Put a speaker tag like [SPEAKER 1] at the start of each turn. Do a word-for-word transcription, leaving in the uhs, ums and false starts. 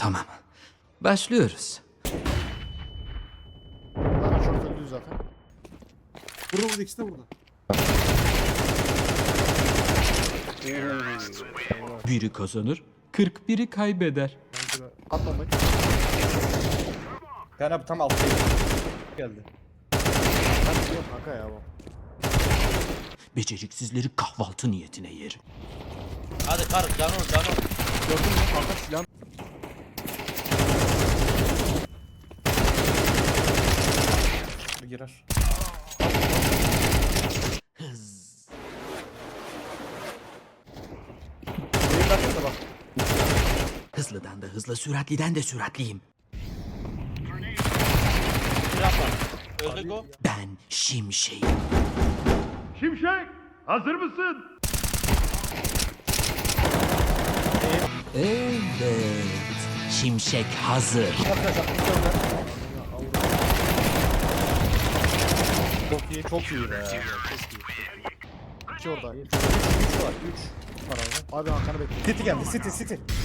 [SPEAKER 1] Tamam. Başlıyoruz.
[SPEAKER 2] Bana çok öldü zaten.
[SPEAKER 3] Burada burada ikisi de burada.
[SPEAKER 1] Biri kazanır, kırk biri kaybeder.
[SPEAKER 3] Bence de.
[SPEAKER 2] Atlamayın.
[SPEAKER 4] Yani abi tam altta geldi.
[SPEAKER 2] Ben biliyorum kanka ya bu.
[SPEAKER 1] Beceriksizleri kahvaltı niyetine yer.
[SPEAKER 5] Hadi karık canım canım.
[SPEAKER 2] Gördün mü kanka silahın?
[SPEAKER 4] Bir girer.
[SPEAKER 1] Hız.
[SPEAKER 2] Benim dakikada bak.
[SPEAKER 1] Hızlıdan da hızlı, süratliden de süratliyim.
[SPEAKER 5] Silah var. Öldük o.
[SPEAKER 1] Ben Şimşek'im.
[SPEAKER 6] Şimşek, hazır mısın?
[SPEAKER 1] Evet. Şimşek hazır.
[SPEAKER 4] Çok iyi, çok iyi be.
[SPEAKER 2] İki orada.
[SPEAKER 4] üç var, üç var abi.
[SPEAKER 2] Abi Hakan'ı bekliyorum.
[SPEAKER 4] City geldi, City, City.